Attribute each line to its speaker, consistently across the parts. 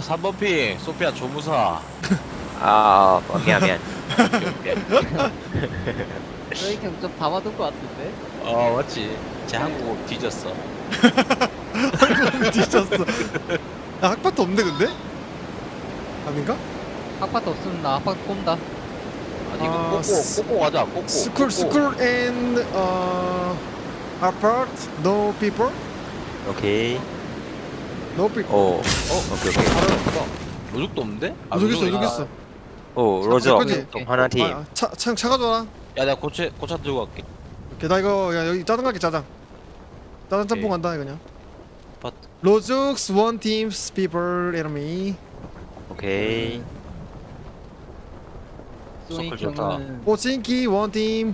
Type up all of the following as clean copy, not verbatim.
Speaker 1: 3번 핑 소피아 조무사.
Speaker 2: 미안.
Speaker 3: 저희 형좀 담아둔 것 같은데?
Speaker 1: 맞지. 제 한국어 뒤졌어.
Speaker 4: 뒤졌어. 나 학파트 없는데 근데? 아닌가?
Speaker 3: 아파트 없으면 나 아파트 꼰다.
Speaker 1: 아니 이거 꼬꼬 가자. 꼬꼬.
Speaker 4: School and apart no people?
Speaker 2: 오케이.
Speaker 4: No people.
Speaker 2: 오케이.
Speaker 1: 로죽도 없는데?
Speaker 4: 여기 있어 여기 있어.
Speaker 2: 로저.
Speaker 4: 거지?
Speaker 2: 하나 팀.
Speaker 4: 차 가져와라.
Speaker 1: 야 내가 고차 들고 갈게.
Speaker 4: 오케이 나 이거 야 여기 짜장 갈게 짜장. 짜장 짬뽕 간다 이거냐?
Speaker 1: 아파트.
Speaker 4: 로즈스 one teams people enemy.
Speaker 2: 오케이.
Speaker 3: 소닉
Speaker 1: 서클 좋다.
Speaker 3: 형은
Speaker 4: 오친키 one team.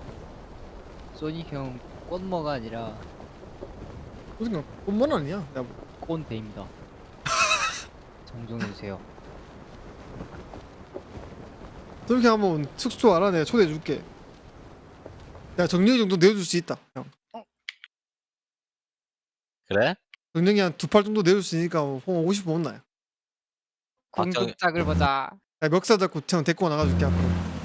Speaker 3: 소닉 형 꼰모가 아니라
Speaker 4: 무슨 꽃만 아니야? 야,
Speaker 3: 꼰대입니다. 정정해주세요.
Speaker 4: 저렇게 한번 숙소 알아 내가 초대해줄게. 야 정령이 정도 내어줄 수 있다. 형.
Speaker 1: 그래?
Speaker 4: 정령이 한 두 팔 정도 내줄 수 있으니까 뭐 50분 온나요?
Speaker 3: 궁극작을 보자.
Speaker 4: 야 멱살 잡고 형 데리고 나가줄게 앞으로.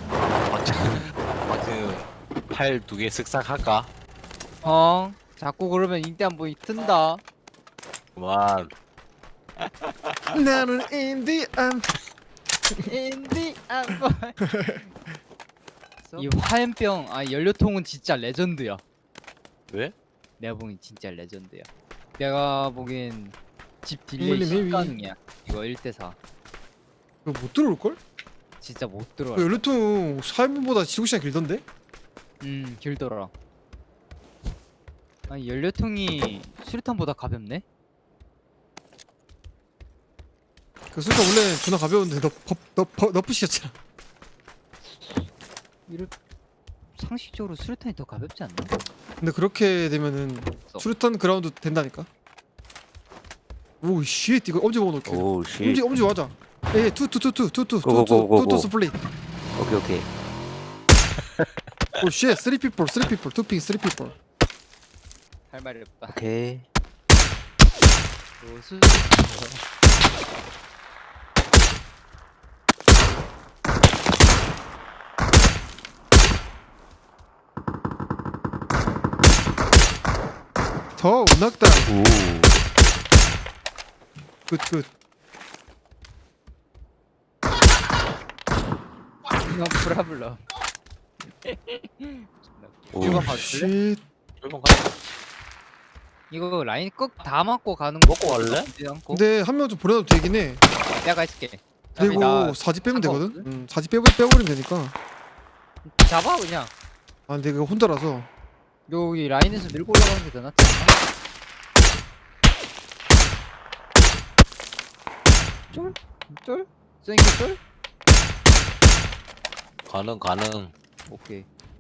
Speaker 1: 팔 두 개 쓱싹 할까?
Speaker 3: 자꾸 그러면 인대 한 번이 튼다.
Speaker 1: 그만.
Speaker 4: 나는 인디안.
Speaker 3: 인디 한번. 이 화염병 연료통은 진짜 레전드야.
Speaker 1: 왜?
Speaker 3: 내가 보기엔 진짜 레전드야. 내가 보기엔 집 딜레이
Speaker 4: 힐링, 힐링.
Speaker 3: 실가능이야. 이거 1대4
Speaker 4: 이거 못 들어올걸?
Speaker 3: 진짜 못 들어와.
Speaker 4: 연료통 4인분보다 지구시간 길던데?
Speaker 3: 길더라. 연료통이 수류탄보다 가볍네?
Speaker 4: 그 술가 원래 존나 가벼운데 너프 시켰잖아.
Speaker 3: 상식적으로 수류탄이 더 가볍지 않나?
Speaker 4: 근데 그렇게 되면은 수류탄 그라운드 된다니까. 오 쉣 이거 엄지 먹어놓게.
Speaker 2: 오 씨.
Speaker 4: 엄지 맞아. 에 투투투투투투투투
Speaker 2: 고고고고고.
Speaker 4: 스플릿.
Speaker 2: 오케이.
Speaker 4: 오쉣 3 people 투핑 3 people.
Speaker 3: 할 말이 없다.
Speaker 2: 오케이.
Speaker 3: 수
Speaker 4: 더 낙다.
Speaker 2: 오.
Speaker 4: 굿.
Speaker 3: 이건 브라블러.
Speaker 2: 오.
Speaker 3: 이거 봐줄래?
Speaker 4: 쉣.
Speaker 1: 일본 가자.
Speaker 3: 이거 라인 꼭 다 맞고 가는
Speaker 1: 먹고 갈래?
Speaker 4: 근데 한 명 좀 보내도 되긴 해.
Speaker 3: 내가 있을게.
Speaker 4: 그리고
Speaker 3: 나
Speaker 4: 사지 빼면
Speaker 3: 상관없거든?
Speaker 4: 되거든. 사지 빼버리면 되니까.
Speaker 3: 잡아 그냥.
Speaker 4: 근데 이거 혼자라서.
Speaker 3: 여기 라인에서 밀고 올라가는 게 더 낫지 않나? 쫄? 쌩기 쫄?
Speaker 1: 가능.
Speaker 3: 오케이.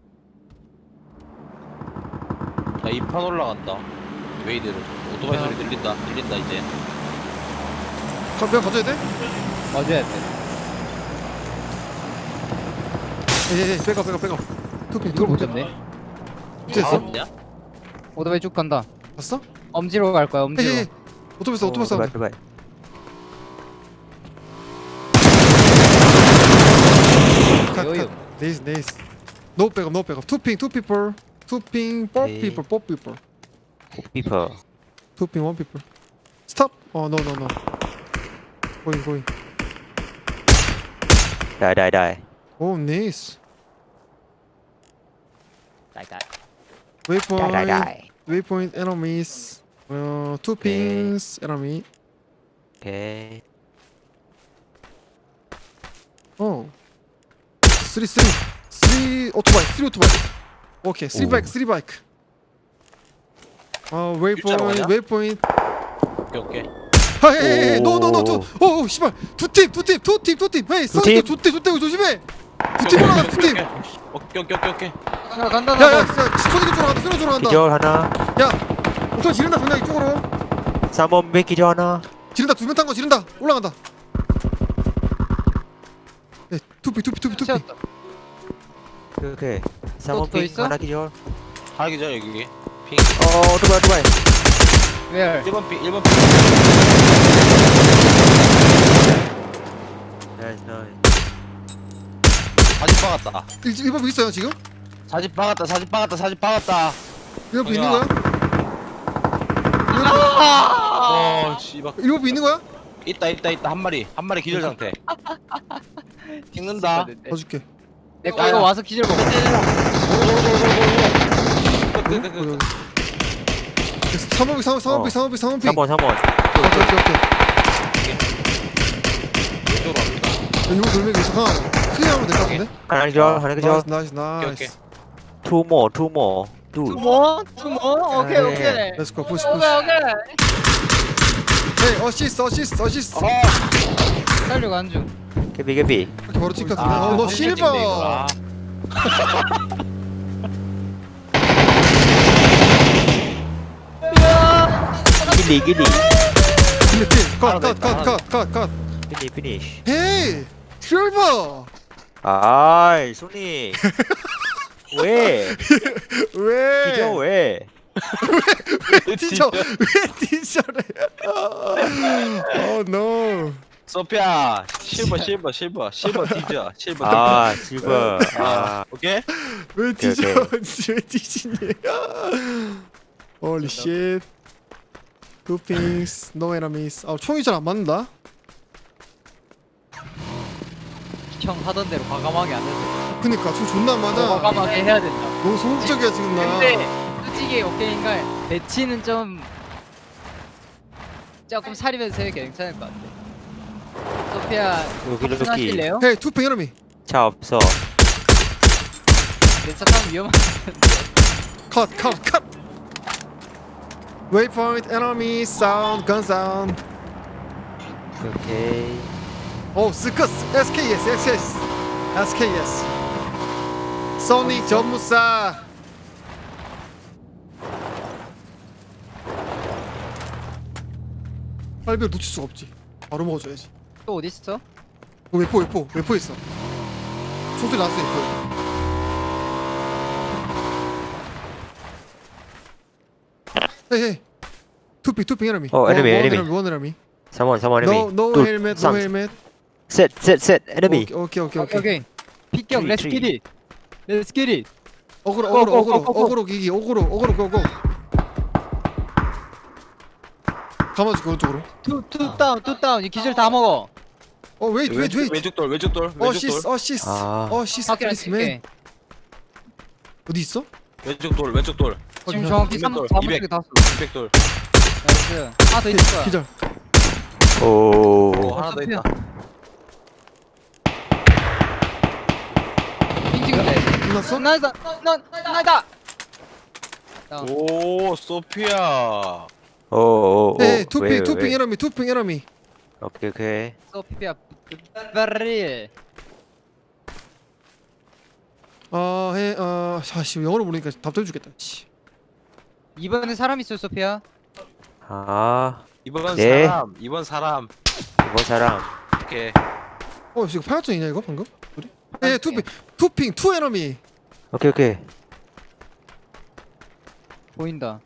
Speaker 1: 자 2판 올라간다. 왜 이대로? 오토바이 소리 들린다 이제.
Speaker 4: 내가 가져야 돼?
Speaker 3: 맞아야 돼.
Speaker 4: 예 빼가. 투핑
Speaker 3: 이걸 못 잡네.
Speaker 4: 됐어?
Speaker 1: 냐
Speaker 3: 오토바이 쭉 간다.
Speaker 4: 봤어?
Speaker 3: 엄지로 갈 거야. 엄지로.
Speaker 4: 예. 오토바이
Speaker 2: 오토바이.
Speaker 3: 여유.
Speaker 4: 네이스. No 백업. 투핑 people. 투핑 four
Speaker 2: 오케이.
Speaker 4: people.
Speaker 2: 피퍼.
Speaker 4: 투핑 one people. 스탑. No. 고잉.
Speaker 2: 다이.
Speaker 4: 오 네이스.
Speaker 3: 나이다.
Speaker 4: Waypoint enemies. Two pings enemy.
Speaker 2: 오케이.
Speaker 4: Three 오토바이. 오케이,
Speaker 2: 오.
Speaker 4: 3 바이크.
Speaker 1: 일자로 가냐?
Speaker 4: 웨이포인트.
Speaker 1: 오케이.
Speaker 4: 헤이,
Speaker 2: 오.
Speaker 4: 노. 오, 씨발. 두 팀. 헤이,
Speaker 2: 팀?
Speaker 4: 좋대, 조심해. 두 팀 올라가, 두 팀.
Speaker 1: 오케이.
Speaker 3: 야 간다.
Speaker 4: 야, 스토리 쪽으로 간다.
Speaker 2: 기절 하나.
Speaker 4: 야, 우선 지른다, 그냥 이쪽으로.
Speaker 2: 3번 백 기절 하나.
Speaker 4: 지른다, 두 명 탄 거 지른다. 올라간다. 네, 투피.
Speaker 3: 채웠다.
Speaker 2: 오케이.
Speaker 3: 또
Speaker 2: 3번 백
Speaker 3: 있어?
Speaker 2: 하나 기절.
Speaker 1: 하기 전에 여기 핑.
Speaker 2: 오토바이.
Speaker 3: 왜?
Speaker 1: 1번 핑.
Speaker 2: 나이스 나이스.
Speaker 1: 사진 박았다.
Speaker 4: 1번 있어요 지금?
Speaker 1: 사진 박았다. 사진 박았다. 사진 박았다.
Speaker 4: 1번 있는
Speaker 1: 형이야.
Speaker 4: 거야?
Speaker 1: 씨발.
Speaker 4: 1번 있는 거야?
Speaker 1: 있다. 한 마리 기절 상태. 찍는다.
Speaker 4: 봐줄게.
Speaker 3: 내거 이거 와서 기절 먹어.
Speaker 1: 끄끄끄끄.
Speaker 4: 3번 3번
Speaker 2: 3번 3번.
Speaker 4: 오케이.
Speaker 1: 왼쪽으로 갑니다.
Speaker 4: 이거 돌멩이 있어. 하나 크게 하면 될 것 같은데?
Speaker 2: 하나 기절 하나 기절.
Speaker 4: 나이스
Speaker 1: 오케이.
Speaker 4: 나이스.
Speaker 2: Two more. 둘.
Speaker 3: 투모? 오케이
Speaker 2: 네.
Speaker 3: 오케이.
Speaker 4: 렛츠고 푸시
Speaker 3: 오케이
Speaker 4: 푸시.
Speaker 3: 오케이.
Speaker 4: 헤이 어시스트.
Speaker 3: 살려고 중.
Speaker 2: 개비.
Speaker 4: 이렇게 바로 찍 같은데. 너 실버.
Speaker 2: 길리.
Speaker 4: 필리핀.
Speaker 1: 하나 더 있다,
Speaker 4: 컷.
Speaker 2: 피니쉬.
Speaker 4: 헤이 실버.
Speaker 2: 아이 손이. 왜?
Speaker 4: 왜?
Speaker 2: 기절 왜?
Speaker 4: 티저 왜 티저래? 노.
Speaker 1: 소피아 실버 디저 실버
Speaker 2: 아 실버.
Speaker 1: 오케이.
Speaker 4: 왜
Speaker 2: 오케이,
Speaker 4: 티저? 왜 티지니? Holy shit. Two pings, no enemies. 아 총이 잘 안 맞는다.
Speaker 3: 형 하던 대로 과감하게 안 해도.
Speaker 4: 그니까 총 존나 안 맞아.
Speaker 3: 과감하게 해야 된다.
Speaker 4: 너무 소극적이야 지금 나.
Speaker 3: 근데 솔직히 오케이인가 배치는 좀 조금 사리면서 해도 괜찮을 것 같아. 소피아
Speaker 2: 여기
Speaker 3: 하실래요?
Speaker 4: 헤이 투 핑 enemy.
Speaker 2: 차 없어.
Speaker 3: 내 차타면 위험한.
Speaker 4: 컷. Waypoint enemy sound gun sound.
Speaker 2: 오케이.
Speaker 4: 오 스커스 SKS. 소닉 전무사. 빨비를 놓칠 수가 없지. 바로 먹어줘야지.
Speaker 3: 또 어디 있어?
Speaker 4: 외포 있어. 총소리 났어 외포. 헤이 투핑 에너미.
Speaker 2: enemy.
Speaker 4: 원 에너미.
Speaker 2: 3번 enemy.
Speaker 4: No helmet.
Speaker 2: 셋 enemy.
Speaker 4: 오케이.
Speaker 3: 피격
Speaker 2: 트리,
Speaker 3: 렛츠
Speaker 2: 트리.
Speaker 3: 기릿. 렛츠 기릿.
Speaker 4: 어그로 기기 고고. 감아줄게 오른쪽으로.
Speaker 3: 투 다운 이 기절 다 먹어.
Speaker 4: 웨이트.
Speaker 1: 왼쪽 돌
Speaker 4: 어시스.
Speaker 2: 아.
Speaker 4: 어시스
Speaker 3: 밖에
Speaker 4: 플리스맨. 어디 있어?
Speaker 1: 왼쪽 돌
Speaker 3: 지금 정확히 3
Speaker 1: 200.
Speaker 3: 4분쪽에 다 쏘.
Speaker 1: 200돌
Speaker 3: 나이스. 하나 더 있을 거야.
Speaker 4: 기절.
Speaker 2: 오.
Speaker 1: 하나 더 있다.
Speaker 3: 핑찍은데.
Speaker 4: 끝났어?
Speaker 3: 나이다.
Speaker 1: 오 소피아
Speaker 2: 오.
Speaker 4: 네, 투핑 에너미.
Speaker 2: 오케이.
Speaker 3: 소피아 베리.
Speaker 4: 아씨 영어로 모르니까 답답해 죽겠다. 씨.
Speaker 3: 이번에 사람 있어 소피아.
Speaker 2: 아.
Speaker 1: 이번
Speaker 2: 네.
Speaker 1: 사람
Speaker 2: 이번 사람.
Speaker 1: 오케이.
Speaker 4: 이거 파열전이냐 이거 방금? 우리? 네, 투핑 투 에너미.
Speaker 2: 오케이.
Speaker 3: 보인다.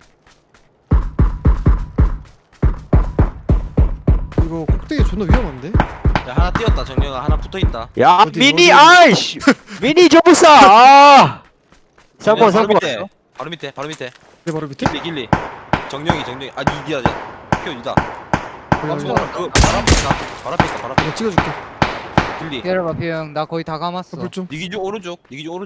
Speaker 4: 이거 꼭대기 존나 위험한데?
Speaker 1: 야 하나 뛰었다. 정령아 하나 붙어있다.
Speaker 2: 야
Speaker 4: 어디,
Speaker 2: 미니
Speaker 4: 어디?
Speaker 2: 아이씨. 미니 점프사. 아. 3번.
Speaker 1: 바로 밑에
Speaker 4: 내 바로 밑에?
Speaker 1: 길리 정령이 아 니디야 피오니다.
Speaker 3: 멈춰.
Speaker 1: 그 바로 앞에 있다.
Speaker 4: 내가 찍어줄게.
Speaker 1: 길리
Speaker 3: 기다려봐 피형. 나 거의 다 감았어.
Speaker 4: 불 좀.
Speaker 1: 니기주 오른쪽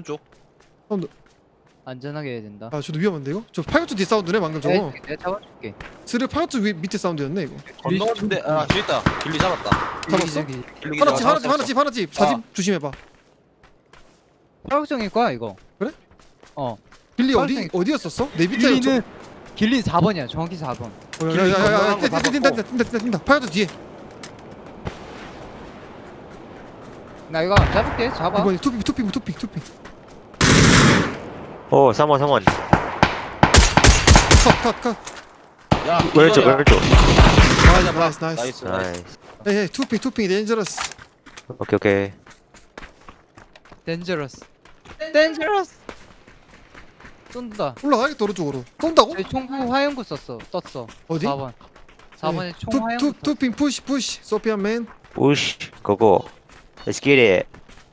Speaker 3: 안전하게 해야 된다.
Speaker 4: 아 저도 위험한데 이거? 저 파열전 뒤 사운드네 방금 저거.
Speaker 3: 내가 잡아줄게.
Speaker 4: 스르 파열전 밑에 사운드였네 이거.
Speaker 1: 건너는데 아 저기 있다. 길리 잡았다.
Speaker 4: 잡았어?
Speaker 1: 길리
Speaker 4: 하나집 사집 조심해봐.
Speaker 3: 파격정일 거야 이거.
Speaker 4: 그래?
Speaker 3: 어.
Speaker 4: 길리
Speaker 3: 파열정이-
Speaker 4: 어디였었어? 내 밑에였죠?
Speaker 3: 길리는 4번이야. 정확히 4번.
Speaker 4: 야야야야
Speaker 1: 건너간 거
Speaker 4: 뛴다 파열전 뒤에.
Speaker 3: 나 이거 안 잡을게. 잡아.
Speaker 4: 이번에 투핑.
Speaker 2: 오 3번.
Speaker 4: 컷.
Speaker 1: 야
Speaker 2: 왼쪽.
Speaker 4: 나이스.
Speaker 2: 나이스.
Speaker 4: 헤이 투핑 데인저러스.
Speaker 2: 오케이.
Speaker 3: 덴저러스. 쏜다.
Speaker 4: 올라가야겠다 오른쪽으로. 쏜다고?
Speaker 3: 저희 총구 화염구 썼어. 떴어.
Speaker 4: 어디?
Speaker 3: 4번. 4번에 총 화염구.
Speaker 4: 투핑 푸시 소피아 맨.
Speaker 2: push 고고. Let's get it.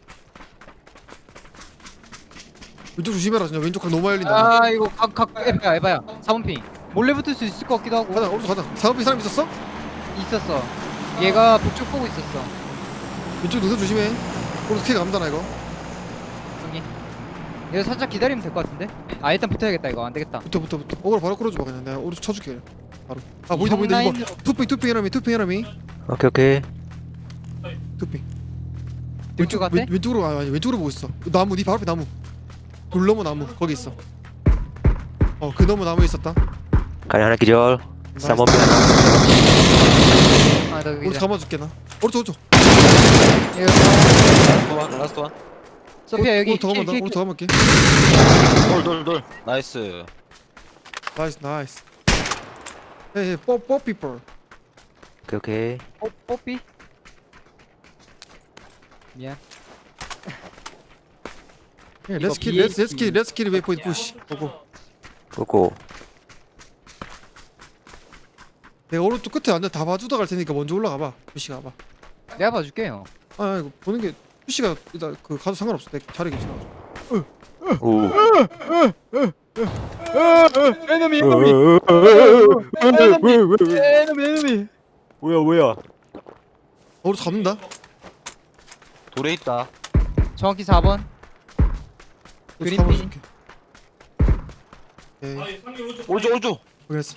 Speaker 4: 왼쪽 조심해라 진짜 왼쪽 각 너무 많이 열린다.
Speaker 3: 아 이거 각 에바야 4번 핑 몰래 붙을 수 있을 것 같기도 하고.
Speaker 4: 가자 오른쪽 가자. 사업비 사람 있었어?
Speaker 3: 있었어. 얘가 북쪽 보고 있었어.
Speaker 4: 왼쪽 노선 조심해. 오른쪽 키 감다나 이거.
Speaker 3: 형님. 얘 살짝 기다리면 될 것 같은데? 아 일단 붙어야겠다 이거 안 되겠다.
Speaker 4: 붙어. 오늘 바로 끌어줘 봐 그냥. 내가 오른쪽 쳐줄게 그냥. 바로. 아 보인다 이거.
Speaker 3: 라인으로-
Speaker 4: 투핑 해라미.
Speaker 2: 오케이 오케이.
Speaker 4: 투핑.
Speaker 3: 왼쪽 같아?
Speaker 4: 왼쪽으로 아니 왼쪽으로 보고 있어. 나무 네 바로 앞에 나무. 돌 넘어 나무 거기 있어. 그 너머 나무에 있었다.
Speaker 2: 가리 하나 기절. 3번 핑 하나.
Speaker 3: 아나
Speaker 4: 오른쪽
Speaker 3: 여기.
Speaker 4: 감아줄게 나. 오른쪽.
Speaker 1: 라스트 원.
Speaker 3: 소피아 여기
Speaker 4: 오른쪽 감아다. 오른쪽 감을게.
Speaker 1: 돌. 나이스.
Speaker 4: 나이스. 헤이 뽀 피플.
Speaker 2: 오케이 오케이.
Speaker 3: 뽀삐. 미안.
Speaker 4: Let's kill waypoint push. 고고.
Speaker 2: 고고.
Speaker 4: 내가 오른쪽 끝에 앉아 다 봐주다 갈 테니까 먼저 올라가 봐. 푸시 가봐.
Speaker 3: 내가 봐줄게요.
Speaker 4: 아 이거 보는 게 푸시가 일단 그 가도 상관없어. 내 자리 괜찮아.
Speaker 2: 오.
Speaker 3: 에너미 에너미.
Speaker 2: 뭐야?
Speaker 4: 오른쪽 잡는다.
Speaker 1: 돌에 있다.
Speaker 3: 정확히 4번.
Speaker 4: 오른쪽
Speaker 3: 그린핀.
Speaker 4: 잡아줄게. 오케이.
Speaker 1: 오른쪽.
Speaker 4: 알겠어.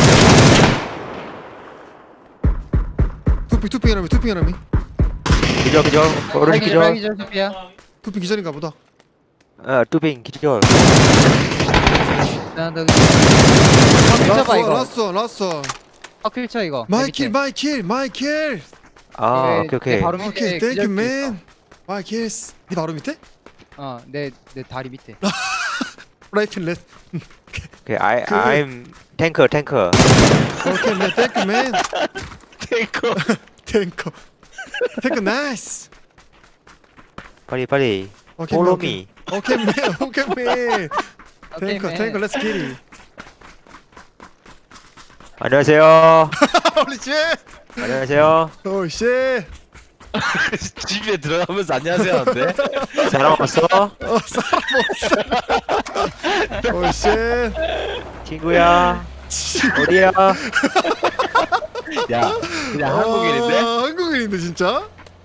Speaker 4: 투핑 해라미.
Speaker 2: 기절. 오른쪽 기절.
Speaker 3: 빨기절 소피아.
Speaker 4: 투핑 기절인가 보다.
Speaker 2: 아 투핑 기절.
Speaker 3: 나 여기. 확킬쳐봐 이거.
Speaker 4: 라스트.
Speaker 3: 확킬쳐 이거.
Speaker 4: 마이 킬.
Speaker 2: 아 오케이.
Speaker 3: 바로 밑에.
Speaker 4: 오케이,
Speaker 3: 기절
Speaker 4: 땡큐
Speaker 3: 킬
Speaker 4: 맨. 마이 킬스. 네 바로 밑에?
Speaker 3: 있어. 내 다리 밑에.
Speaker 4: 라이트 렛.
Speaker 2: 오케이. I'm 탱커.
Speaker 4: 오케이, 맨. 땡큐 맨. 탱커 나이스.
Speaker 2: 빨리.
Speaker 4: 오케이,
Speaker 2: Follow
Speaker 4: 오케이.
Speaker 2: me.
Speaker 4: 오케이 맨.
Speaker 3: 오케이,
Speaker 4: 탱커 렛츠 기리.
Speaker 2: 안녕하세요.
Speaker 4: 홀리 쉣.
Speaker 2: 안녕하세요.
Speaker 4: 오 쉣.
Speaker 1: 집에 들어가면서 안녕하세요 하는데.
Speaker 2: 사람 없어?
Speaker 4: 오 쉣.
Speaker 2: 친구야. 어디야?
Speaker 1: 야, 그냥 한국인인데?
Speaker 4: 한국인인데 진짜?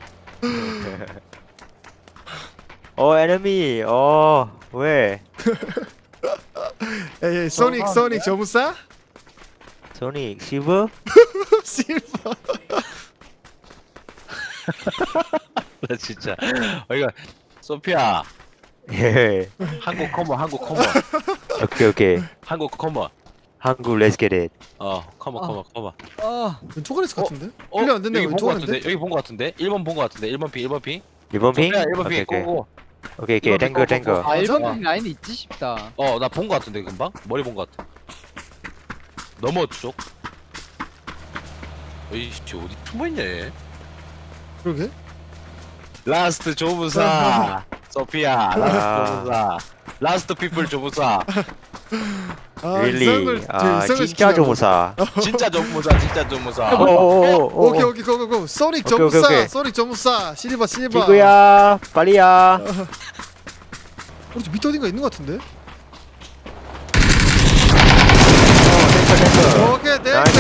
Speaker 2: 에너미. 왜?
Speaker 4: 에이 소닉 저무사?
Speaker 2: 소닉 시브?
Speaker 4: 실버.
Speaker 1: 나 진짜. 이거 소피아.
Speaker 2: 예.
Speaker 1: 한국 커머.
Speaker 2: 오케이.
Speaker 1: 한국 커머.
Speaker 2: 한국 let's get it.
Speaker 1: 커머.
Speaker 4: 왼쪽 안에 있을 것 같은데? 클리어 안 됐네.
Speaker 1: 여기 본
Speaker 4: 왼쪽
Speaker 1: 거
Speaker 4: 안인데?
Speaker 1: 같은데? 여기 본 거 같은데? 1번 본 거 같은데? 1번 핑.
Speaker 2: 1번 핑?
Speaker 1: 소피아 1번
Speaker 2: 오케이
Speaker 1: 핑 꼬고.
Speaker 2: 오케이
Speaker 1: 이번
Speaker 2: 탱커
Speaker 1: 핑 꼬고.
Speaker 3: 아
Speaker 4: 어.
Speaker 3: 1번 라인이 있지 싶다.
Speaker 1: 나 본 거 같은데 금방? 머리 본 거 같아. 넘어 쪽. 이씨 어디 숨어 있냐 얘?
Speaker 4: 그러게?
Speaker 1: 라스트 조무사. 소피아. 라스트 조무사. 라스트 피플 조무사.
Speaker 2: really? 진짜 조무사.
Speaker 1: 진짜 조무사. 진짜 조무사.
Speaker 4: 오케이 고고고. 소닉
Speaker 2: 오케이,
Speaker 4: 저무사.
Speaker 2: 오케이.
Speaker 4: 소닉 저무사. 실버.
Speaker 2: 친구야 빨리야.
Speaker 4: 우리 저 밑에 어딘가 있는 것 같은데?
Speaker 2: 탱커.
Speaker 4: 오케이
Speaker 2: 나이스.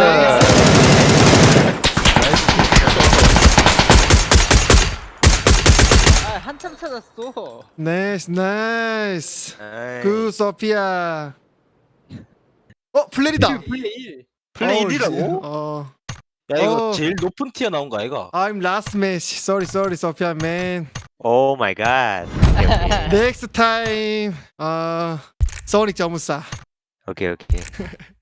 Speaker 3: 아 한참 찾았어.
Speaker 4: 나이스. 그 소피아. 플레이다.
Speaker 1: 플레이 1이라고? 야 이거
Speaker 4: 어.
Speaker 1: 제일 높은 티어 나온 거 아이가?
Speaker 4: I'm last match. Sorry, 소피아 man.
Speaker 2: 오 마이 갓.
Speaker 4: Next time. 소닉 저무사.
Speaker 2: 오케이.